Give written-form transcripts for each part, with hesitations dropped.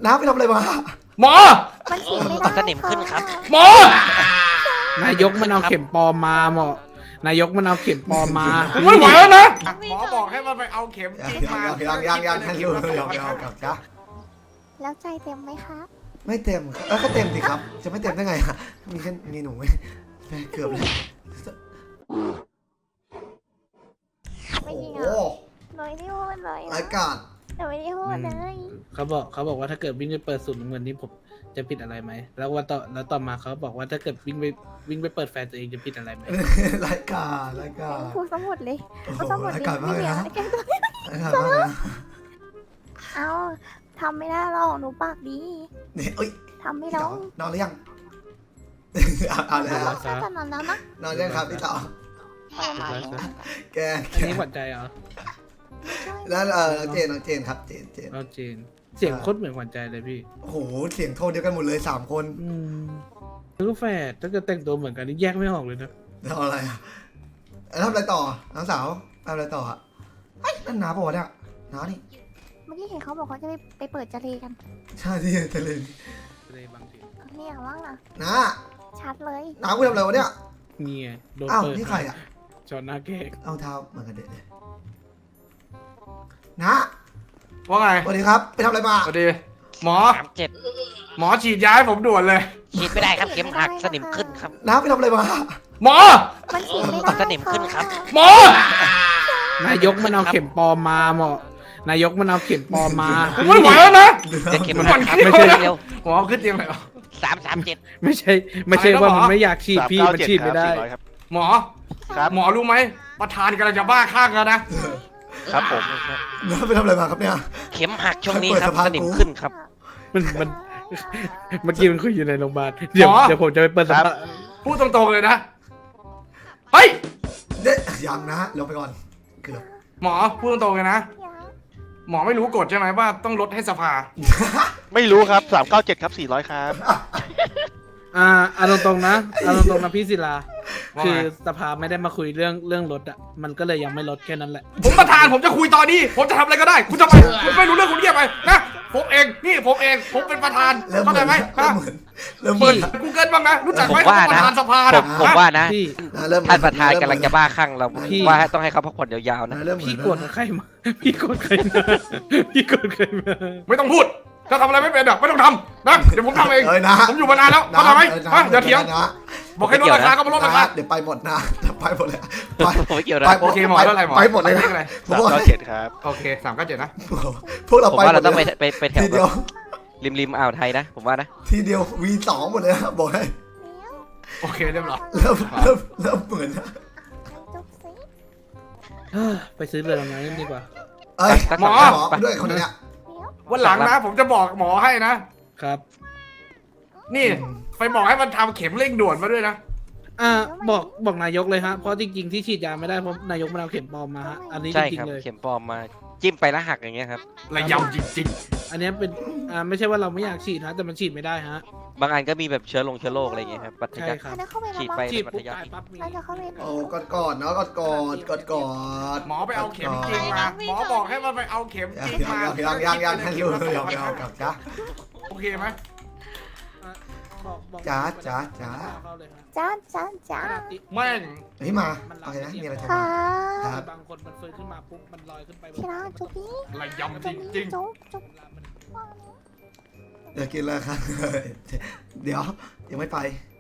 น้าไปทำอะไรมาหมอมันฉีดไม่ได้สนิมขึ้นครับหมอนายกมันเอาเข็มปลอมมาหมอนายกมันเอาเข็มปลอมมาผมไม่ไหวแล้วนะหมอบอกให้มันไปเอาเข็มจริงมายังท่านลูกยังกับจ้าแล้วใจเต็มไหมคะไม่เต็มก็เต็มสิครับจะไม่เต็มได้ไงอะมีแค่มีหนูไม่เกือบเลยไม่จริงโอ้อ่ะหนูไม่ได้พูดเลยรายกาศหนูไม่ได้พูดเลยเขาบอกว่าถ้าเกิดวิ่งไปเปิดสูตรเงินนี้ผมจะผิดอะไรไหมแล้วต่อมาเขาบอกว่าถ้าเกิดวิ่งไปเปิดแฟนตัวเองจะผิดอะไรไหมรายการพูดสมุดเลยโอ้โหพูดสมุดรายเลยการมากไม่เลยเหลือนะแกงตัวรายการมากเลยนะเอาทำไม่ได้หรอกหนูปากดีนี่เอ้ยทำไม่พี่ได้เต๋านอนหรือยังเอาแล้วแค่ตอนนั้นแล้วนะนอนยังครับพี่เต๋าแกอันนี้หวั่นใจเหรอแล้วน้องเจนครับเจนเราจีนเสียงโคตรเหมือนหวั่นใจเลยพี่โอ้โหเสียงโทนเดียวกันหมดเลย3 คนแล้วก็แฝดถ้าเกิดแต่งตัวเหมือนกันนี่แยกไม่ออกเลยนะทำอะไรอ่ะทำอะไรต่อน้องสาวทำอะไรต่ออ่ะนั่นน้าปะวะเนี่ยน้านี่เมื่อกี้เห็นเขาบอกเขาจะไปเปิดจะเลกันใช่ที่ทะเลเลยบางทีเนี่ยว่างนะน้าชัดเลยน้ากูทำอะไรวะเนี่ยนี่ไงโดนอ้าวเปิดนี่ใครอ่ะจอหน้าแกกเอาเท้าเหมือนกันเด็ดเลยน้าว่าไงสวัสดีครับไปทำอะไรมาสวัสดีหมอ 37 หมอฉีดยาให้ผมด่วนเลยฉีดไม่ได้ครับเข็มหักสนิมขึ้นครับน้าไปทำอะไรมาหมอมันฉีดไม่ได้สนิมขึ้นครับหมอนายกมันเอาเข็มปลอมมาหมอนายกมันเอาเข็มปลอมมาผมไม่ไหวแล้วนะจะเข็มมันหักครับไม่ไม่ใช่ใช่เร็วหมอขึ้นเตียงเลยเหรอ 337 ไม่ใช่ว่ามันไม่อยากฉีดพี่มันฉีดไม่ได้หมอครับหมอรู้ไหมประธานกำลังจะบ้าข้างแล้วนะครับผมน้าไปทำอะไรมาครับเนี่ยเข็มหักช่วงนี้ครับเปิดสะพานสนิมขึ้นครับมันเมื่อกี้มันคุยอยู่ในโรงพยาบาลเดี๋ยวผมจะไปเปิดสภาพูดตรงๆเลยนะเฮ้ยเด็ยังนะลงไปก่อนเกือบหมอพูดตรงๆเลยนะ หมอไม่รู้กฎใช่ไหมว่าต้องลดให้สภาไม่รู้ครับ397ครับ400ครับเอาตรงๆนะพี่ศิลาว่าไงคือสภาไม่ได้มาคุยเรื่องรถอ่ะมันก็เลยยังไม่ลดแค่นั้นแหละผมประธานผมจะคุยตอนนี้ ผมจะทำอะไรก็ได้ คุณจะไปคุณไม่รู้เรื่องคุณเงียบไปนะผมเองนี่ผมเองผมเป็นประธานเริ่มเหเข้าใจมือนไหมเริ่ฮะมเหมือนเริ่มเหเปิมือดนกูเกิลบ้างนะรู้จักไหมผมว่านะประธานสภาผมว่านะพี่นะเริ่มเหมือท่านประธานกำลังจะบ้าคลั่งเราพี่ว่าต้องให้เขาพักผ่อนยาวๆนะเริ่มเหมือนพี่โกรธใครมาพี่โกรธใครมาพี่โกรธใครมาไม่ต้องพูดถ้าทำอะไรไม่เป็นอ่ะไม่ต้องทำนะเดี๋ยวผมทำเองเอ้ยนะผมอยู่มานานแล้วเข้าใจไหมฮะอย่าเถียงนะบอกให้ลดราคาก็มาลดราคาเดี๋ยวไปหมดนะไปหมดเลยไปผมไม่เกี่ยวนะไปโอเคหมอแล้วอะไรหมอไปหมดเลยเลนะขอะไรผมบอก 397ครับโอเค397นะพวกเราผมไปว่าหมเราดต้องเลยไปแถทีวเดียวริมอ่าวไทยนะ ผมว่านะทีเดียว V2 หมดเลยนะบอกให้โอเคเรียบร้อยเริ่มเหมือนนะจุ๊บสิไปซื้อเรือดำน้ำดีกว่าเอ้ยหมอด้วยคนนี้วันหลังนะ ผมจะบอกหมอให้นะครับนี่ไปบอกให้มันทำเข็มเร่งด่วนมาด้วยนะบอกนายกเลยฮะเพราะจริงๆที่ฉีดยาไม่ได้เพราะนายกมันเอาเข็มปลอมมาฮะอันนี้จใช่ริครังบๆเลยเข็มปลอมมาจิ้มไปแล้วหักอย่างเงี้ยครับระยำจริงอันนี้เป็นไม่ใช่ว่าเราไม่อยากฉีดฮะแต่มันฉีดไม่ได้ฮะบางอันก็มีแบบเชื้อโรคอะไรอย่างเงี้ยครับปัทใช่ยักครับแล้วเข้าไปฉีดแล้วไปฉีดปัปุ๊ทบยักตายปั๊บมีเราจะเข้าไปโอ้กอดเนาะกอดๆ หมอไปเอาเข็มจริงมา หมอบอกให้มันไปเอาเข็มจริงมายังท่านลูกยังกับจ้าโอเคไหมบอกจ๋าเข้าเลยฮะจ้าจ้าจ้าแม่งพี่มาโอเคนะมีอะไรโทรค่ะมาครับบางคนมันเฟิร์นขึ้นมาปุ๊บมันลอยขึ้นไปที่รักจุ๊บนี้ระยำจจุ๊บรินี้งจุ๊บจุ๊บเดี๋ยวกินเลยครับเดี๋ยวยังไม่ไป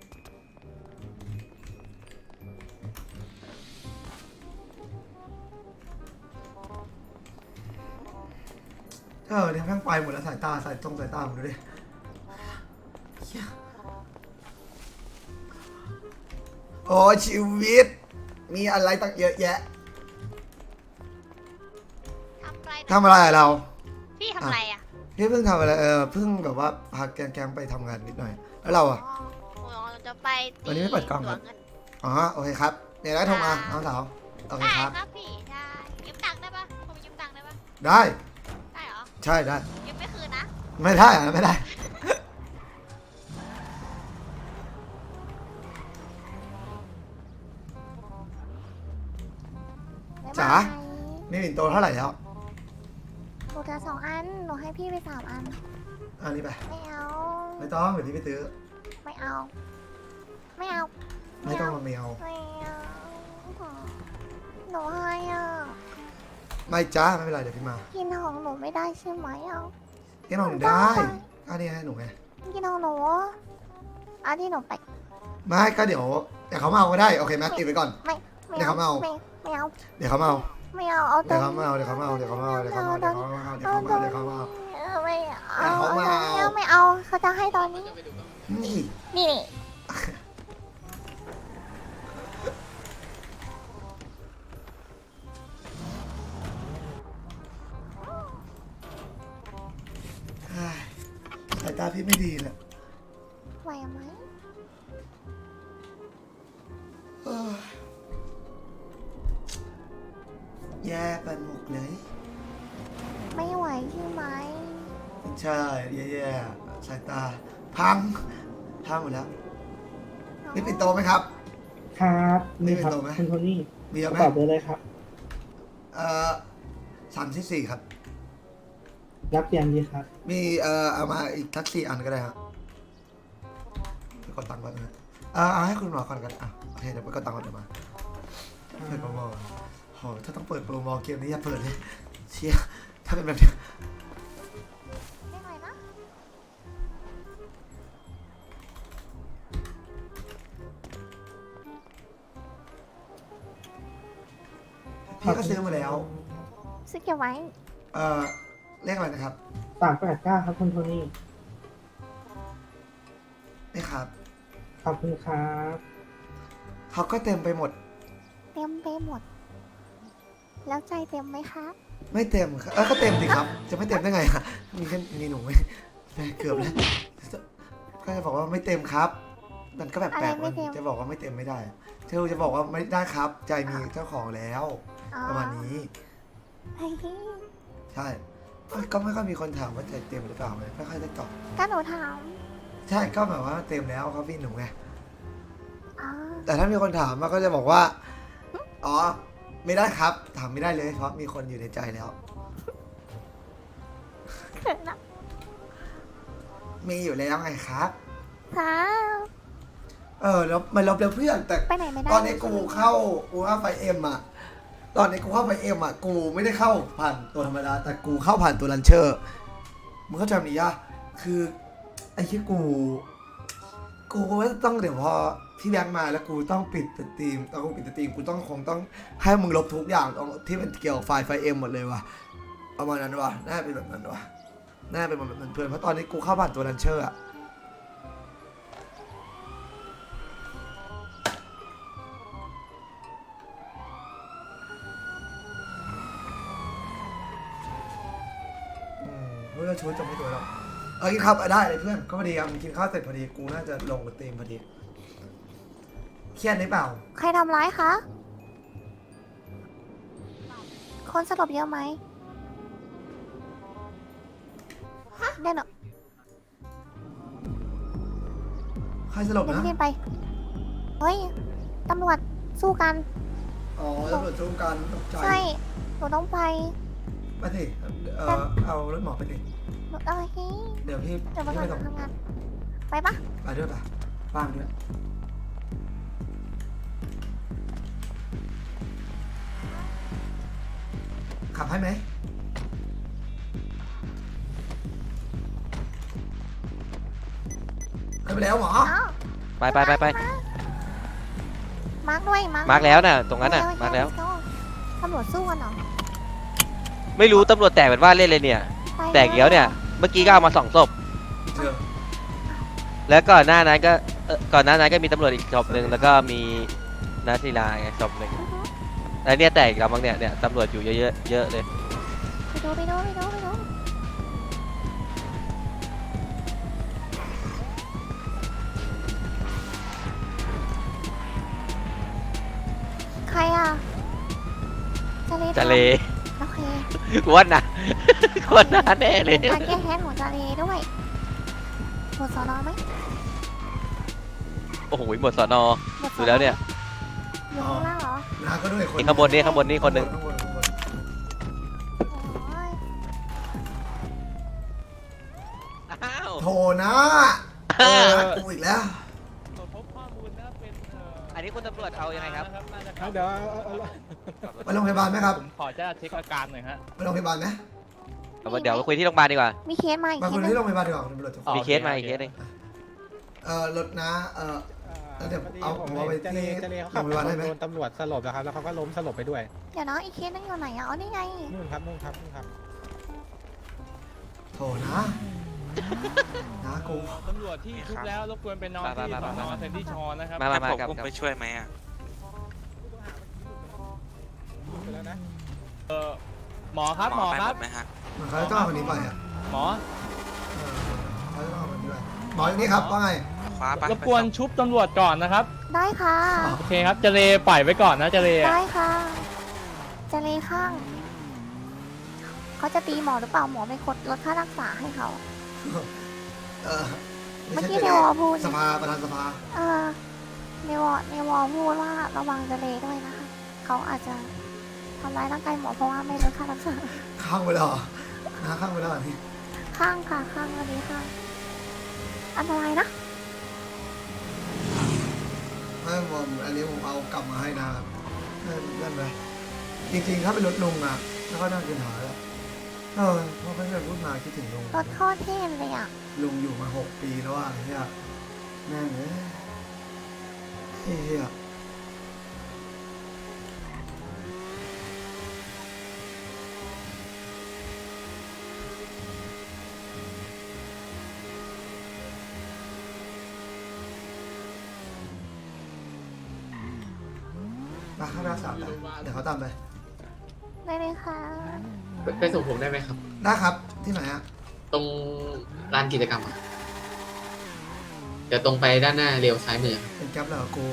เนี่ยแม่งไปหมดแล้วสายตาผมดูดิโอ้ชีวิต มีอะไรตั้งเยอะแยะทำอะไรอะเราพี่ทำอะไรอ่ะพี่เพิ่งทำอะไรเพิ่งแบบว่าพาแกงไปทำงานนิดหน่อย แล้วเราอะอ๋อจะไปตีวันนี้ไม่เปิดกล้องครับหลวกันอ๋อโอเคครับเดี๋ยวได้โทรมาน้องสาวโอเคได้ครับครับพี่ได้ยืมตังค์ได้ปะผมยืมตังค์ได้ปะได้ได้เหรอใช่ได้ยืมไม่คืนนะไม่ได้อะไม่ได้ จ๋า นี่ปิ่นโตเท่าไหร่แล้วหนูจะ2 อันหนูให้พี่ไป3 อันอันนี้ไปไม่เอาไม่ต้องเดี๋ยวพี่ไปซื้อไม่เอา ไม่เอาไม่ต้องมาเมลไม่เอาหนูให้อ่ะไม่จ้าไม่เป็นไรเดี๋ยวพี่มากินของหนูไม่ได้ใช่ไหมอ่ะพี่น้องหนูได้อันนี้ให้หนูไงกินของหนูอันที่หนูไปไม่ก็เดี๋ยวเขามาเอาก็ได้โอเคไหมติดไว้ก่อนไม่เดี๋ยวเขามาเอาไม่เอาเดี๋ยวเขามาเอาไม่เอาเอาเดี๋ยวเขามาเอาเดี๋ยวเขามาเอาเดี๋ยวเขามาเอาเดี๋ยวเขามาเอาเดี๋ยวเขามาเอาเดี๋ยวเขามาเอาเดี๋ยวเขามาเอาไม่เอาเขามาเอาไม่เอาเขาจะให้ตอนนี้นี่นี่เฮ้ยสายตาพี่ไม่ดีเลยไหวไหมเอ้ยแย่ไปหมดเลยไม่ไหวใช่ไหมใช่แย่ๆสายตาพังหมดแล้วนี่ปิดโตไหมครับครับนี่ครับนี่เป็นตัวไหมคุณโทนี่มีเยกอะระไหมเป๋าเบอร์เลยครับ 34ครับรับยังดีครับมีเอามาอีกทัก4อันก็ได้ครับไปกดตังค์ก่อนนะเอาให้คุณหมอก่อนกันอ่ะโอเคเดี๋ยวไปกดตังค์ก่อนเดี๋ยวมาเปิดโปรโมทโหถ้าต้องเปิดโปรโมทเกมนี้อย่าเปิดเลยเชี่ยถ้าเป็นแบบนี้ไม่ไหวนะพี่ก็ซื้อมาแล้วซื้อเก็บไว้เลขอะไรนะครับ 389ครับคุณโทนี่นี่ครับขอบคุณครับเขาก็เต็มไปหมดเต็มไปหมด แล้วใจเต็มไหมคะไม่เต็มครับก็เต็มสิครับ จะไม่เต็มได้ไงฮะมีแค่มีหนูไหมเกือบแล้วก็จะบอกว่าไม่เต็มครับ มันก็แบบแปลกมันจะบอกว่าไม่เต็มไม่ได้เธอจะบอกว่าไม่ได้ครับ ใจมีเจ้าของแล้วอ๋อประมาณนี้เฮ้ยใช่ก็ไม่ค่อยมีคนถามว่าใจเต็มหรือเปล่าไงไม่ค่อยได้ตอบก็หนูถามใช่ก็แบบว่าเต็มแล้วเขาพี่หนูไงอ๋อแต่ถ้ามีคนถามมาก็จะบอกว่าอ๋อไม่ได้ครับ ถามไม่ได้เลยเพราะมีคนอยู่ในใจแล้วเขินนะมีอยู่แล้วไงครับครับแล้วมันลบแล้วเพื่อนแต่ไปไหนไม่ได้ตอนนี้กูเข้าไฟเอ็มอ่ะตอนนี้กูเข้าไฟเอ็มอ่ะกูไม่ได้เข้าผ่านตัวธรรมดาแต่กูเข้าผ่านตัวลันเชอร์มึงเข้าใจมั้ยยะคือไอ้ที่กูต้องเดี๋ยวพอพี่แบงค์มาแล้วกูต้องปิดสตรีมกูคงต้องให้มึงลบทุกอย่างที่มันเกี่ยวกับไฟเอ็มหมดเลยว่ะประมาณนั้นว่ะน่าเป็นแบบนั้นว่ะน่าเป็นแบบนั้นเพื่อนเพราะตอนนี้กูเข้าผ่านตัวลันเชอร์อ่ะเมื่อช่วยจบไม่ตัวแล้วกินข้าวได้เลยเพื่อนก็พอดีครับกินข้าวเสร็จพอดีกูน่าจะลงสตรีมพอดีเครียดหรือเปล่าใครทำร้ายคะ คนสลบเยอะไหมเด่นเหรอใครสลบเดี๋ยวนะพี่เด่นไป เฮ้ย ตำรวจสู้กันอ๋อตำรวจจูงกันตกใจใช่ หนูต้องไปไปสิเอารถหมอไปสิหนูเฮ้ยเดี๋ยวพี่เดี๋ยวไปพี่ก่อไปนส่งทำงาน ไปปะไปด้วยป่ะบ้างด้วยขับให้ไหมเคยไปแล้วหมออ๋อไปมาร์กด้วยมาร์กแล้วน่ะตรงนั้นน่ะโอเคมาร์กแล้ว let's go ตำรวจสู้กันเหรอไม่รู้ตำรวจแตกเป็นว่าเล่นเลยเนี่ยไปแตกเกี้ยวเนี่ย เมื่อกี้ก็เอามา2 ศพเจอแล้วก่อนหน้านั้นก็มีตำรวจอีกศพหนึ่งแล้วก็มีนัทศิลาไงศพหนึ่งอือฮึแล้วเนี่ยแตกอีกแล้วมั้งเนี่ยตำรวจอยู่เยอะๆเยอะเลยไปดูใครอ่ะจะเลโอเคกวนนะ กวนนะแน่เลยการแก้แค้นของจาเลด้วยหมดสอนอไหมโอ้โหหมดสอนอหมดสดูอนอแล้วเนี่ยอยู่ข้างล่างเหรอนาก็ด้วยคนนี่ข้างบนนี่คนหนึ่งข้างบนโอ้ยอ้าวโถนะกูอีกแล้วอันนี้คุณตำรวจเอายังไงครับเดี๋ยวไปโรงพยาบาลไหมครับขอจะเช็คอาการหน่อยฮะไปโรงพยาบาลไหมเดี๋ยวไปคุยที่โรงพยาบาลดีกว่ามีเคสมาอีกมาเคคุยสหนึที่งโรงพยาบาลดีกว่าคุณตำรวจจะมีเคสมาอีกเคสหนึงรถนะแล้วเดี๋ยวเอาผมเอาไปที่โรงพยาบาลได้ไหมโดนตำรวจสลบนะครับ แล้วเขาก็ล้มสลบไปด้วยเดี๋ยวนะอีกเคสหนึงอยู่ไหนอ่ะอ๋อนี่ไงนู่นครับนู่นครับนู่นครับโถนะนะกูตำรวจที่ชุบแล้วรบกวนเป็นน้องที่สอนอเซนตี้ชอนนะครับมากับไปช่วยไหมอ่ะหมอครับหมอครับมันเขาจะต้องเอาคนนี้ไปอ่ะหมอเขาจะต้องเอาคนนี้ไปหมออย่างนี้ครับว่าไงรบกวนชุบตำรวจก่อนนะครับได้ค่ะโอเคครับเจเลปล่อยไว้ก่อนนะเจเลได้ค่ะจะเลยข้าง เขาจะตีหมอหรือเปล่าหมอไม่กดลดค่ารักษาให้เขาไม่เมื่อใช่กี้เดวอพูดสภาประธานสภาในวอพูดว่าระวังจะเลยด้วยนะคะ เขาอาจจะทำร้ายร่างกายหมอเพราะว่าไม่ลดค่ารักษาข้างไปแล้วเหรอนะข้างไปแล้วเหรอนี่ข้างค่ะข้างอันนี้ข้าง อันตรายนะไม่ผมอันนี้ผมเอากลับมาให้นะครับนั่นไปจริงๆถ้าเป็นรถลุงอ่ะแล้วก็น่ากินหายแล้วเพราะเพื่อนพูดมาคิดถึงลุงรถโคตรเท่เลยอ่ะลุงอยู่มา6 ปีแล้วอ่ะเนี่ยแม่งเฮียมาข้างหน้า3เลยเดี๋ยวเขาตามไปได้เลยค่ะไปส่งผมได้ไหมครับได้ครับที่ไหนอ่ะตรงลานกิจกรรมอะเดี๋ยวตรงไปด้านหน้าเลี้ยวซ้ายมือครับเป็นแก๊ปแล้วกู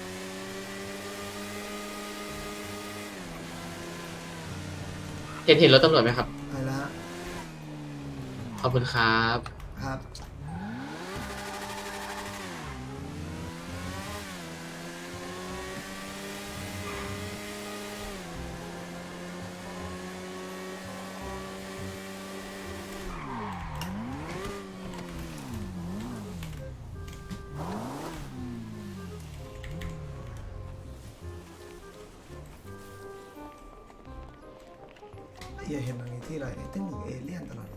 เห็นรถตำรวจไหมครับไปแล้วขอบคุณครับครับอย่าเห็นตรงนี้ที่ไรตึ้งหนึ่งเอเลี่ยนตลอดเลย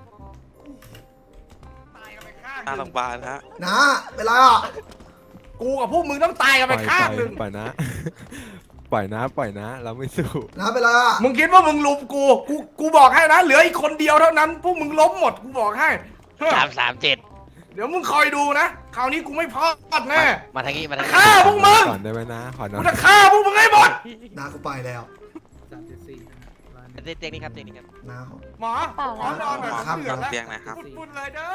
ตายกันไปข้างหน้าหโรนึ่งงพยาบาลฮะนะเวลาอ่ะกูกับพวกมึงต้องตายกันไปข้างหนึ่งปล่อยนะ ปล่อยนะ เราไม่สู้นะเวลาอ่ะมึงคิดว่ามึงลุมกูบอกให้นะเหลืออีกคนเดียวเท่านั้นพวกมึงล้มหมดกูบอกให้เฮ้ย 337 เดี๋ยวมึงคอยดูนะคราวนี้กูไม่พลาดแน่มาทางนี้มาทางนี้ฆ่าพวกมึงก่อนได้ไหมนะ ขอกูนอนจะฆ่าพวกมึงให้หมดนากูไปแล้ว 374 เตียงนี้ครับเตียงนี้ครับนาหมอหมอนอนหน่อยครับเดือดแล้วเตียงไหนครับปุดๆเลยเด้อ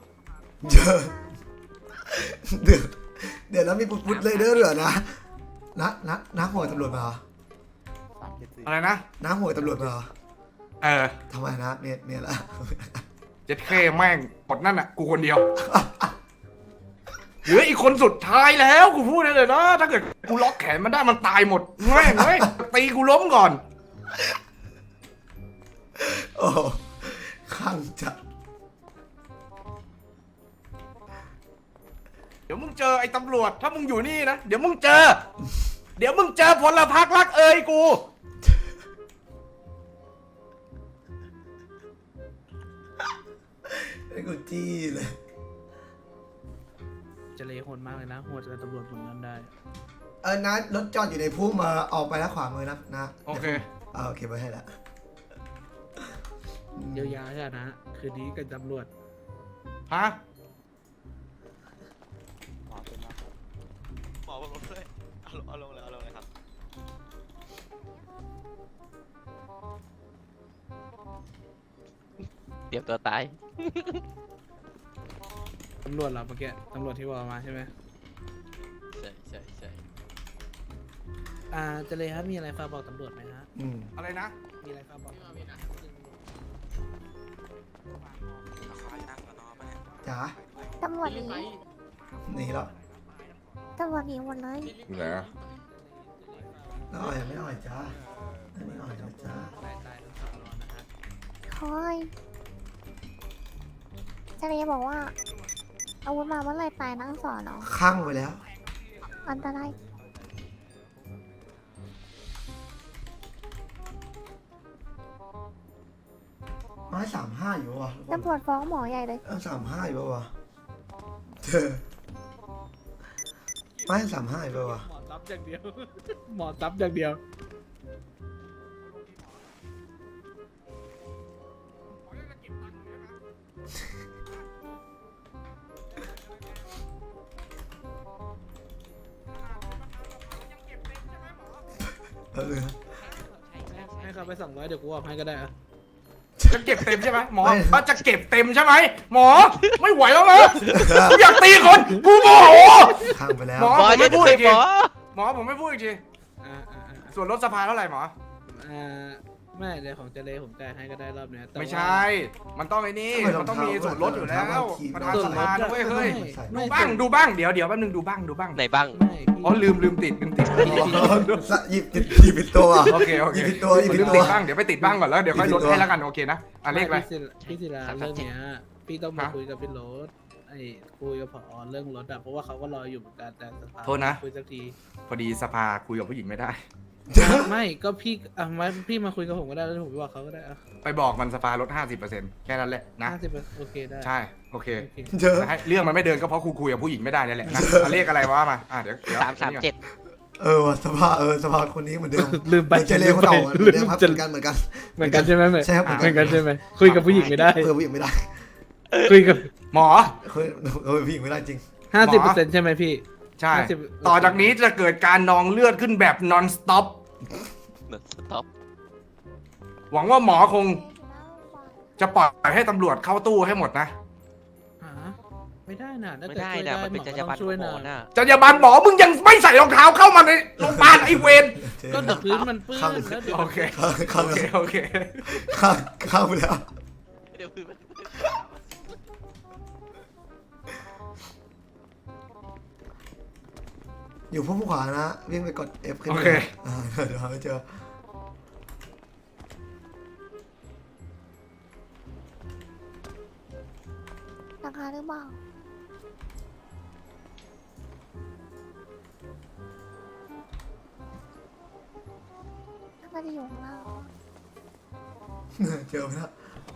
เดี๋ยวแล้วมีปุ๊บๆเลยเด้อเหรอนะน้าหัวตำรวจมาเหรออะไรนะน้าหัวตำรวจมาเหรอเออทำไมนะเมียละเจ็ดเคแม่งหมดนั่นอ่ะกูคนเดียวเหลืออีกคนสุดท้ายแล้วกูพูดได้เลยนะถ้าเกิดกูล็อกแขนมันได้มันตายหมดแม่งเฮ้ยตีกูล้มก่อนโอ้ข้างจัดเดี๋ยวมึงเจอไอ้ตำรวจถ้ามึงอยู่นี่นะเดี๋ยวมึงเจอพลพรรครักเอ่ยกูไอ้กูจี้เลยจะเลยโหดมากเลยนะโหดกับตำรวจผมนั้นได้นะรถจอดอยู่ในพุ่มมาออกไปแล้วขวามือนะโอเคโอเคไว้ให้ละเยียวยาใช่ไหมนะ คืนนี้กับตำรวจฮะหมอลงเลยเอาลงเลยครับเตรียมตัวตายตำรวจเหราเมื่อกี้ตำรวจที่บอกมาใช่ไหมใช่จะเลยครับมีอะไรฝากบอกตำรวจไหมฮะอะไรนะมีอะไรฝากบอกจ๋าตำรวจหนีหนีแล้วตำรวจหนีหมดเลยแล้วอ่อยไม่อ่อยจ้าอันนี้อ่อยนะจ้าตายทั้งสองรอนะฮะคอยทะเลบอกว่าอาวุธมาเมื่อไหรตายนั่งสอนเนาะข้างไปแล้วอันตรายไม้35อยู่วะตำรวจฟ้องหมอใหญ่เลย 35อยู่วะเธอไม้35อยู่วะหมอซับอย่างเดียว หมอซับอย่างเดียวเออให้เขาไป200เดี๋ยวกูออกให้ก็ได้อะจะเก็บเต็มใช่ไหมหมอจะเก็บเต็มใช่ไหมหมอไม่ไหวแล้วนะกูอยากตีคนกูโมโหข้างไปแล้วหมอหมอผมจะไม่พูดไปอีกหมทีอหมอผมไม่พูดอีกทีอ่าอ่าอ่าส่วนลดสภาเท่าไหร่หมออ่าไม่เดี๋ยวของเจเลผมจ่ายให้ก็ได้รอบเนี้ยแต่ไม่ว่าใช่ มันต้องไอ้นี่ มันต้องมีส่วนลดอยู่แล้วประธานสภานะเว้ยเฮ้ยไม่ดูบ้างเดี๋ยวแป๊บนึงดูบ้างไหนบ้างไม่พี่อ๋อลืมติดหยิบผิดตัวโอเคหยิบผิดตัวหยิบผิลืดมตัติวดบ้างเดี๋ยวไปติดบ้างก่อนแล้วเดี๋ยวค่อยลดให้แล้วกันโอเคนะอ่ะเลขอะไรพี่ศิลา 337 เรื่องเนี้ยพี่ต้องมาฮะคุยกับพี่โรสไอ้คุยกับผอเรื่องรถอะเพราะว่าเขาก็รออยู่เหมือนกันแต่สภาโทษนะคุยสักทีพอดีสภาคุยกับผู้หญิงไม่ได้ไม่ก็พี่อ่ะมาพี่มาคุยกับผมก็ได้แล้วผมไปบอกเขาก็ได้อะไปบอกมันสภาลด 50%แค่นั้นแหละนะ 50โอเคได้ใช่โอเคโอเคเจอแต่ให้เรื่องมันไม่เดินก็เพราะคุยกับผู้หญิงไม่ได้นี่แหละนะเอาเลขอะไรวะมาเดี๋ยว 337 ว่ะสภาคนนี้เหมือนเดิมลืมไปเจเลคนเก่าเหมือนเดิมครับเหมือนกันเหมือนกันใช่ไหมใช่ครับเหมือนกันใช่ไหมคุยกับผู้หญิงไม่ได้เพื่อผู้หญิงไม่ได้คุยกับหมอคุยผู้หญิงไม่ได้จริง 50%ใช่ไหมพี่ใช่ 50 ต่อจากนี้จะเกิดการนองเลือดขึ้นแบบ non stop สต็อปหวังว่าหมอคงจะปล่อยให้ตำรวจเข้าตู้ให้หมดนะหาไม่ได้น่ะถ้าไม่เกิดได้ช่วยนะได้มันเป็นหจรรก็ยาบรต้รองณช่วยหมนะอน่ะจรรยาบรรณหมอมึงยังไม่ใส่รองเท้าเข้ามาในโรงพยาบาลไอ้เวรก็แต่พื้นมันเปื้อนแล้วเดี๋ยวโอเคข้างโอเคข้างไปแล้วเดี๋ยวคือมันอยู่พุ่มขวานะวิ่งไปกด F ขึ้นโอไปเคเดี๋ยวหาไม่เจอราคาหรือเปล่าน่าจะอยู่ข้างล่างเจอไหมนะ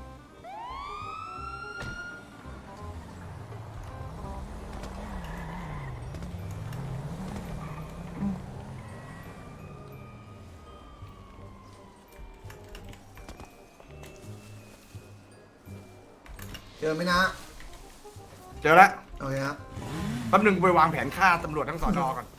เจอไหมนะเจอแล้วโอเคครับแป๊บนึงไปวางแผนฆ่าตำรวจทั้งสอนอก่อน